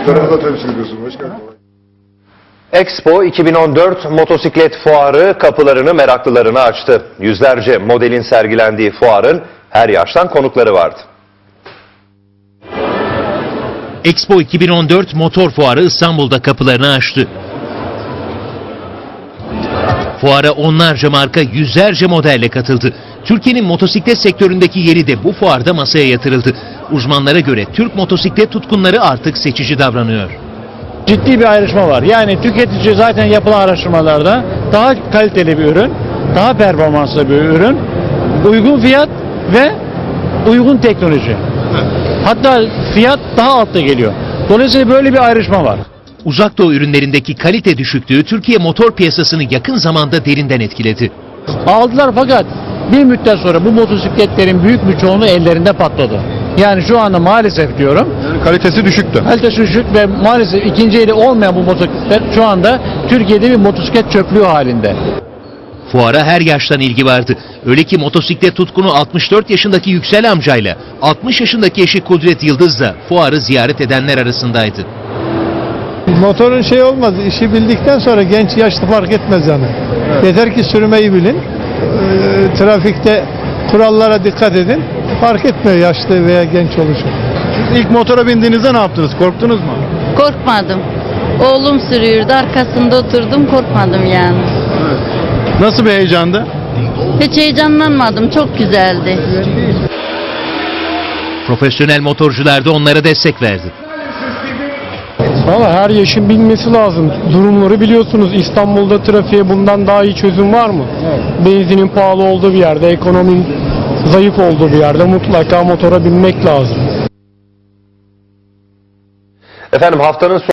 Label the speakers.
Speaker 1: Sektörü da temsil ediyorsun başkanım.
Speaker 2: Expo 2014 motosiklet fuarı kapılarını meraklılarına açtı. Yüzlerce modelin sergilendiği fuarın her yaştan konukları vardı.
Speaker 3: Expo 2014 motor fuarı İstanbul'da kapılarını açtı. Fuara onlarca marka, yüzlerce modelle katıldı. Türkiye'nin motosiklet sektöründeki yeri de bu fuarda masaya yatırıldı. Uzmanlara göre Türk motosiklet tutkunları artık seçici davranıyor.
Speaker 4: Ciddi bir ayrışma var. Yani tüketici zaten yapılan araştırmalarda daha kaliteli bir ürün, daha performanslı bir ürün, uygun fiyat ve uygun teknoloji. Hatta fiyat daha altta geliyor. Dolayısıyla böyle bir ayrışma var.
Speaker 3: Uzak Doğu ürünlerindeki kalite düşüklüğü Türkiye motor piyasasını yakın zamanda derinden etkiledi.
Speaker 4: Aldılar fakat bir müddet sonra bu motosikletlerin büyük bir çoğunluğu ellerinde patladı. Yani şu anda maalesef diyorum.
Speaker 1: Yani kalitesi düşüktü.
Speaker 4: Kalitesi düşük ve maalesef ikinci eli olmayan bu motosikletler şu anda Türkiye'de bir motosiklet çöplüğü halinde.
Speaker 3: Fuara her yaştan ilgi vardı. Öyle ki motosiklet tutkunu 64 yaşındaki Yüksel amcayla 60 yaşındaki eşi Kudret Yıldız da fuarı ziyaret edenler arasındaydı.
Speaker 5: Motorun şey olmaz, işi bildikten sonra genç yaşlı fark etmez yani. Evet. Yeter ki sürmeyi bilin, trafikte kurallara dikkat edin, fark etmiyor yaşlı veya genç oluşu.
Speaker 1: İlk motora bindiğinizde ne yaptınız? Korktunuz mu?
Speaker 6: Korkmadım. Oğlum sürüyordu, arkasında oturdum, korkmadım yani.
Speaker 1: Evet. Nasıl bir heyecandı?
Speaker 6: Hiç heyecanlanmadım, çok güzeldi.
Speaker 3: Profesyonel motorcular da onlara destek verdi.
Speaker 7: Valla her yaşın bilmesi lazım. Durumları biliyorsunuz. İstanbul'da trafiğe bundan daha iyi çözüm var mı? Evet. Benzinin pahalı olduğu bir yerde, ekonominin zayıf olduğu bir yerde mutlaka motora binmek lazım.
Speaker 2: Efendim haftanın